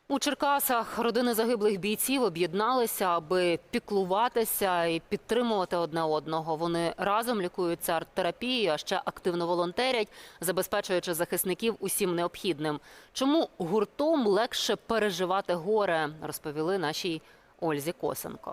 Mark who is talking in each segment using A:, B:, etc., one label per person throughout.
A: У Черкасах родини загиблих бійців об'єдналися, аби піклуватися і підтримувати одне одного. Вони разом лікуються арт-терапією, а ще активно волонтерять, забезпечуючи захисників усім необхідним. Чому гуртом легше переживати горе, розповіли нашій Ользі Косенко.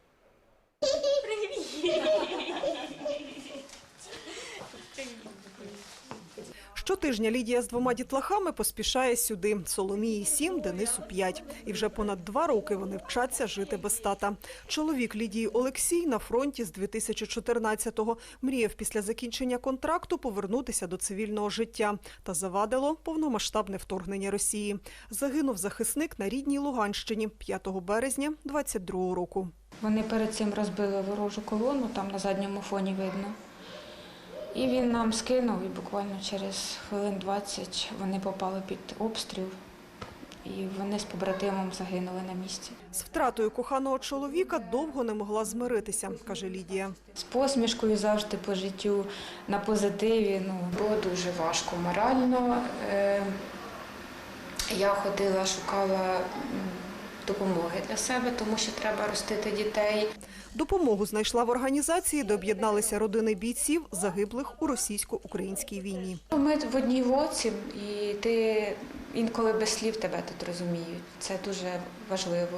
B: Щотижня Лідія з 2 дітлахами поспішає сюди. Соломії 7, Денису 5. І вже понад 2 роки вони вчаться жити без тата. Чоловік Лідії Олексій на фронті з 2014-го. Мріяв після закінчення контракту повернутися до цивільного життя. Та завадило повномасштабне вторгнення Росії. Загинув захисник на рідній Луганщині 5 березня 22-го року.
C: Вони перед цим розбили ворожу колону, там на задньому фоні видно. І він нам скинув, і буквально через хвилин 20 вони попали під обстріл, і вони з побратимом загинули на місці.
B: З втратою коханого чоловіка довго не могла змиритися, каже Лідія.
C: З посмішкою завжди по життю, на позитиві. Було дуже важко морально. Я ходила, шукала допомоги для себе, тому що треба ростити дітей.
B: Допомогу знайшла в організації, де об'єдналися родини бійців, загиблих у російсько-українській війні.
C: Ми в одній лодці, і ти інколи без слів тебе тут розуміють. Це дуже важливо.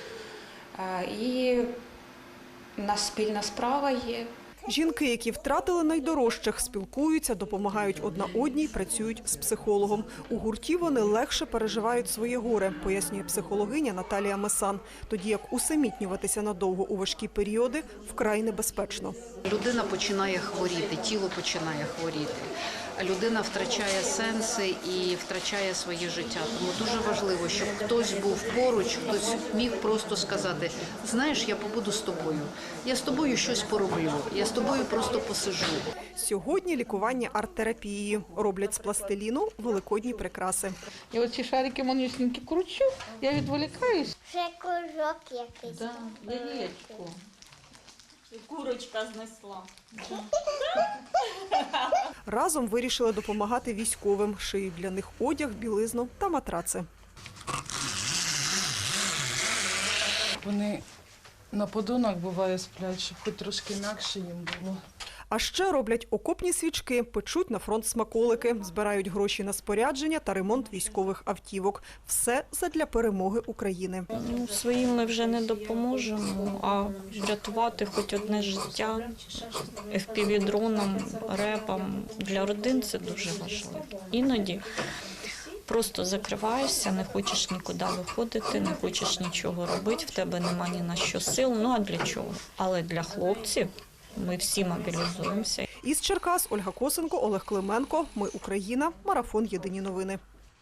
C: І у нас спільна справа є.
B: Жінки, які втратили найдорожчих, спілкуються, допомагають одна одній, працюють з психологом. У гурті вони легше переживають своє горе, пояснює психологиня Наталія Месан. Тоді як усамітнюватися надовго у важкі періоди вкрай небезпечно.
D: Людина починає хворіти, тіло починає хворіти. Людина втрачає сенси і втрачає своє життя. Тому дуже важливо, щоб хтось був поруч, хтось міг просто сказати: знаєш, я побуду з тобою, я з тобою щось пороблю, я з тобою просто посижу.
B: Сьогодні лікування арт-терапією. Роблять з пластиліну великодні прикраси.
E: Я оці шарики манюсінькі кручу, я відволікаюсь.
F: Вже кружок якийсь.
E: Да, яєчко.
G: Курочка знесла.
B: Разом вирішили допомагати військовим. Шиють для них одяг, білизну та матраци.
H: Вони на подонах буває сплять, щоб хоч трошки інакше їм було.
B: А ще роблять окопні свічки, печуть на фронт смаколики, збирають гроші на спорядження та ремонт військових автівок. Все задля перемоги України.
I: Своїм ми вже не допоможемо, а врятувати хоч одне життя FPV-дроном, репом для родин – це дуже важливо. Іноді просто закриваєшся, не хочеш нікуди виходити, не хочеш нічого робити, в тебе нема ні на що сил, а для чого? Але для хлопців ми всі мобілізуємося.
B: Із Черкас Ольга Косенко, Олег Клименко. Ми Україна. Марафон. Єдині новини.